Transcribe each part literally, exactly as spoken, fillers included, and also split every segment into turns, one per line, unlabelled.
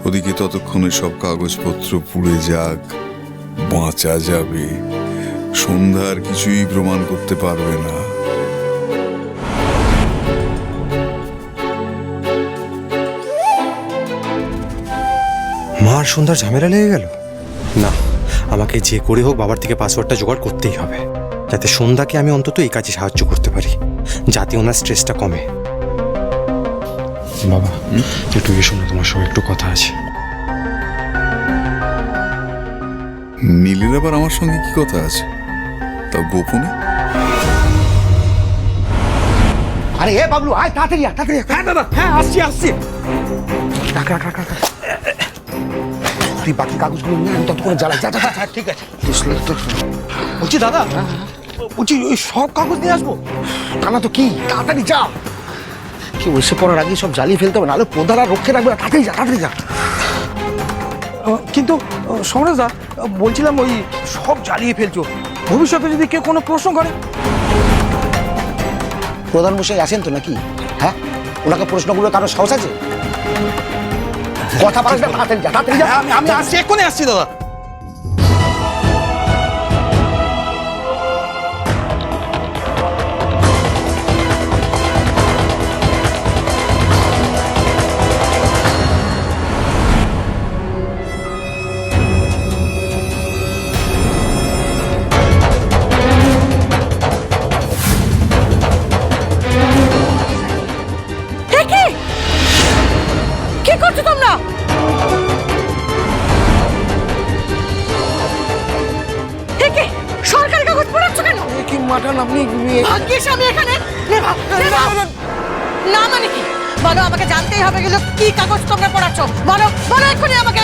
ওদিকে ততক্ষণে সব কাগজপত্র পুড়ে যাক, বাঁচা যাবে। সন্ধ্যার কিছুই প্রমাণ করতে পারবে না।
মার সন্ধ্যার ঝামেলা লেগে গেল। না, আমাকে যে করে হোক বাবার থেকে পাসওয়ার্ডটা জোগাড় করতেই হবে, যাতে সন্ধ্যাকে আমি অন্তত এই কাজে সাহায্য করতে পারি, যাতে ওনার স্ট্রেসটা কমে। বাবা একটু এসো না, তোমার সঙ্গে একটু কথা আছে।
নীলের আবার আমার সঙ্গে কি কথা আছে, তা গোপনে?
আরে এ বাবলু, আয় তাড়াতাড়ি আয়, তাড়াতাড়ি। হ্যাঁ দাদা, হ্যাঁ আসছি আসছি। রাখ রাখ রাখ রাখ। তুই বাকি কাগজগুলো নিয়ে আমি ততক্ষণে জ্বালাই। যা যা যা। ঠিক আছে।
বলছি দাদা, বলছি ওই সব কাগজ নিয়ে আসবো?
তা না তো কি, তাড়াতাড়ি যা। কেউ এসে পড়ার আগে সব জ্বালিয়ে ফেলতে হবে, নাহলে প্রধান আর রক্ষে রাখবে না। তাড়াতাড়ি যা, তাড়াতাড়ি যা।
কিন্তু সমরেশদা, বলছিলাম ওই সব জ্বালিয়ে ফেলছো, ভবিষ্যতে যদি কেউ কোনো প্রশ্ন করে?
প্রধান মশাই আছেন তো নাকি? হ্যাঁ, ওনাকে প্রশ্নগুলো কারো সাহস আছে? কথা বলছ না, তাড়াতাড়ি যা, তাড়াতাড়ি যা।
আমি আমি আসছি, এক্ষুনি আসছি দাদা।
কি করছো তোমরা? একে সরকারি কাগজ পড়াচ্ছ কেন?
কি মাঠান আপনি?
ভাগ্যিস আমি এখানে। না মানে কি বলো, আমাকে জানতেই হবে গেল কি কাগজ তোমরা পড়াচ্ছ। বলো বলো এক্ষুনি আমাকে।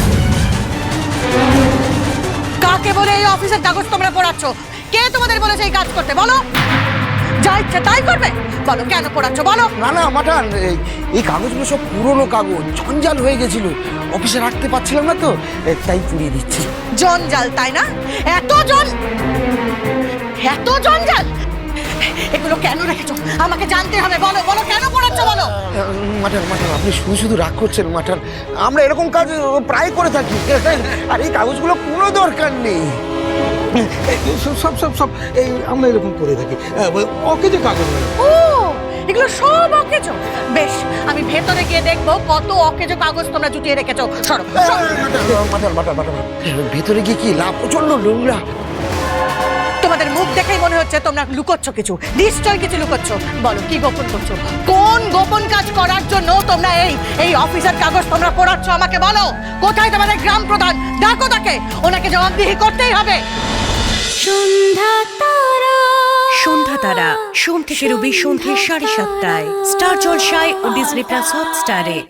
কাকে বলে এই অফিসের কাগজ তোমরা পড়াচ্ছ? কে তোমাদের বলেছে এই কাজ করতে? বলো। যা ইচ্ছে তাই করবে? বলো কেন পড়াচ্ছ বলো।
না না মাঠান, এই কাগজগুলো সব পুরনো কাগজ, জঞ্জাল হয়ে গেছিল, অফিসে রাখতে পারছিলাম না তো, তাই পুড়িয়ে দিচ্ছি।
জঞ্জাল তাই না? এত জন এত জঞ্জাল এগুলো কেন রেখেছো? আমাকে জানতে হবে। বলো বলো কেন পড়াচ্ছ বলো।
মাঠান মাঠান আপনি শুধু শুধু রাগ করছেন মাঠান, আমরা এরকম কাজ প্রায় করে থাকি, আর এই কাগজগুলো কোনো দরকার নেই।
সব সব সব এই আমরা এরকম করে থাকি, ওকে যে কাগজ।
ও এগুলো সব অকেজো? বেশ, আমি ভেতরে গিয়ে দেখবো কত অকেজো কাগজ তোমরা জুটিয়ে রেখেছো। সরো
মাঠান মাঠান মাঠান, ভেতরে গিয়ে কি লাভ? প্রচন্ড নোংরা।
তোমাদের মুখ দেখেই মনে হচ্ছে তোমরা লুকোচ্ছ কিছু, নিশ্চয়ই কিছু লুকোচ্ছ। বলো কি গোপন করছো? কোন গোপন কাজ করার জন্য তোমরা এই এই অফিসের কাগজ তোমরা পড়াচ্ছ? আমাকে বলো। কোথায় তোমাদের গ্রাম প্রধান? ডাকো তাকে, ওনাকে জবাবদিহি করতেই হবে।
সন্ধ্যা তারা সন্ধ্যা তারা সোম থেকে রবি সন্ধ্যে সাড়ে সাতটায় স্টার জলসায় ও ডিজনি প্লাস হটস্টারে।